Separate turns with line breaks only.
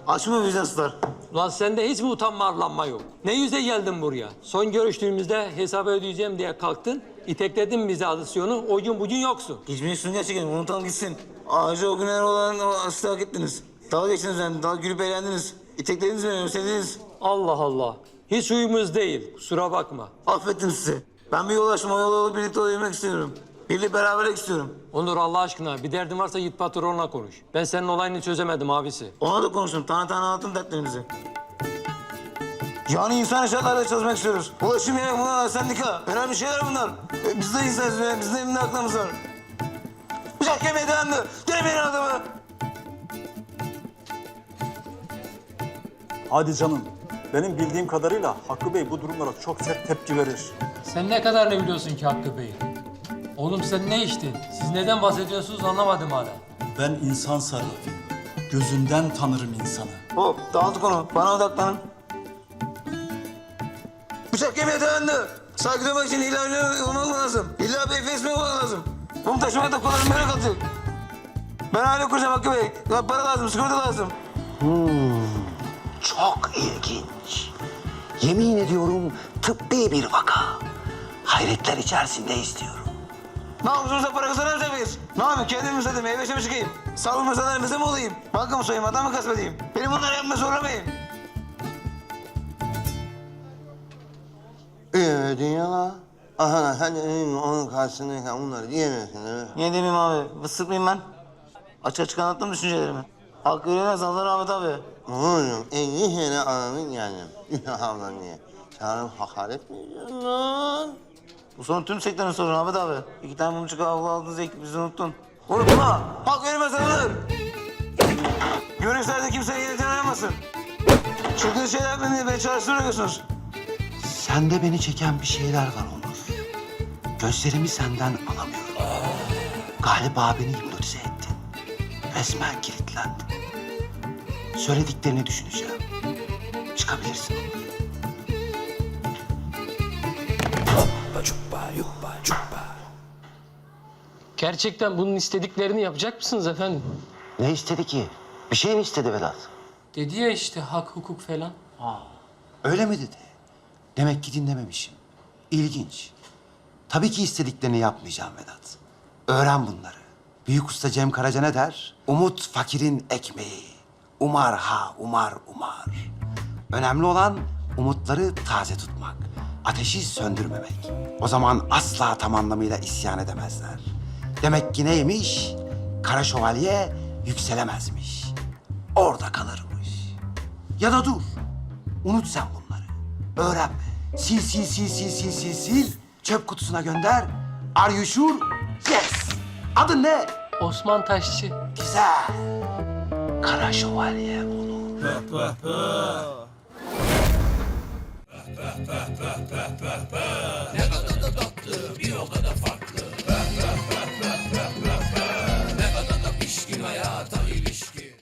Açma vicdansızlar.
Ulan sende hiç mi utanma arlanma yok? Ne yüze geldin buraya? Son görüştüğümüzde hesabı ödeyeceğim diye kalktın. İtekledin bizi adisyonu. O gün bugün yoksun.
Geçmeyin gerçekten. Unutalım gitsin. Ayrıca o günler olan o aslı hak ettiniz. Dalga geçtiniz yani. Dalga gülüp eğlendiniz. İteklediniz beni, özlediniz.
Allah Allah. Hiç uyumuz değil. Kusura bakma.
Affettim sizi. Ben bir yol açtım. O yola birlikte yürümek istiyorum. Birlikte beraberlik istiyorum.
Onur Allah aşkına bir derdin varsa git patronla konuş. Ben senin olayını çözemedim abisi.
Ona da konuştum. Tane tane anlattım dertlerimizi. Yani insan şartlarda çalışmak istiyoruz. Ulaşım yemek bunlar, sendika. Önemli şeyler bunlar. Biz de insanız. Bizim de elinde aklımız var. Bıçak kemiğe dayandı. Denemeyin adamı.
Hadi canım. Benim bildiğim kadarıyla Hakkı Bey bu durumlara çok sert tepki verir.
Sen ne kadar ne biliyorsun ki Hakkı Bey? Oğlum sen ne içtin? Siz neden bahsediyorsunuz anlamadım hala.
Ben insan sarrafıyım. Gözünden tanırım insanı.
Hop dağıttık onu. Bana odaklanın. Bıçak kemiğe dayandı. Saygı duymak için illa olmak lazım. İlla bir efes mi olmak lazım? Bunu taşımak da kolay böyle kalacak. Ben aile kuracağım Hakkı Bey. Ya para lazım, sigorta lazım.
Çok ilginç. Yemin ediyorum tıbbi bir vaka. Hayretler içerisinde istiyorum.
Ne yapıyorsunuz para kazanamayacak mıyız? Ne yapayım? Kendim mi satayım? Meyve mi çıkayım? Sağlık mesalarınızda mı olayım? Banka mı soyayım? Adam mı gasp edeyim? Beni bunları yapmaya zorlamayın.
Dünya. Aha hani onun karşısındayken onları diyemiyorsun değil mi?
Niye demeyeyim abi? Fıstık mıyım ben? Açık açık anlattım düşüncelerimi. Hakkı öğrenmez Allah rahmet abi.
Oğlum en iyi sene anamın yani. Ablam diye. Sana hakaret mi ediyorsun lan?
Bu sorun tüm sektörün sorunu Ahmet abi. 2 tane mumcuk avlu aldınız ekip bizi unuttun. Unutma! Hak verilmez alınır! Görüşlerde kimseye yeniden aramasın. Çılgın şeyler beni çalıştırıyorsunuz.
Sende beni çeken bir şeyler var Onur. Gözlerimi senden alamıyorum. Galiba beni hipnotize ettin. Resmen kilitlendim. Söylediklerini düşüneceğim. Çıkabilirsin Onur.
Gerçekten bunun istediklerini yapacak mısınız efendim?
Ne istedi ki? Bir şey mi istedi Vedat?
Dedi ya işte hak hukuk falan.
Öyle mi dedi? Demek ki dinlememişim. İlginç. Tabii ki istediklerini yapmayacağım Vedat. Öğren bunları. Büyük usta Cem Karaca ne der? Umut fakirin ekmeği. Umar ha umar umar. Önemli olan umutları taze tutmak. Ateşi söndürmemek. O zaman asla tam anlamıyla isyan edemezler. Demek ki neymiş? Kara şövalye yükselemezmiş. Orada kalırmış. Ya da dur. Unut sen bunları. Öğrenme. Sil. Çöp kutusuna gönder. Are you sure? Yes. Adın ne?
Osman Taşçı.
Güzel. Kara şövalye Onur.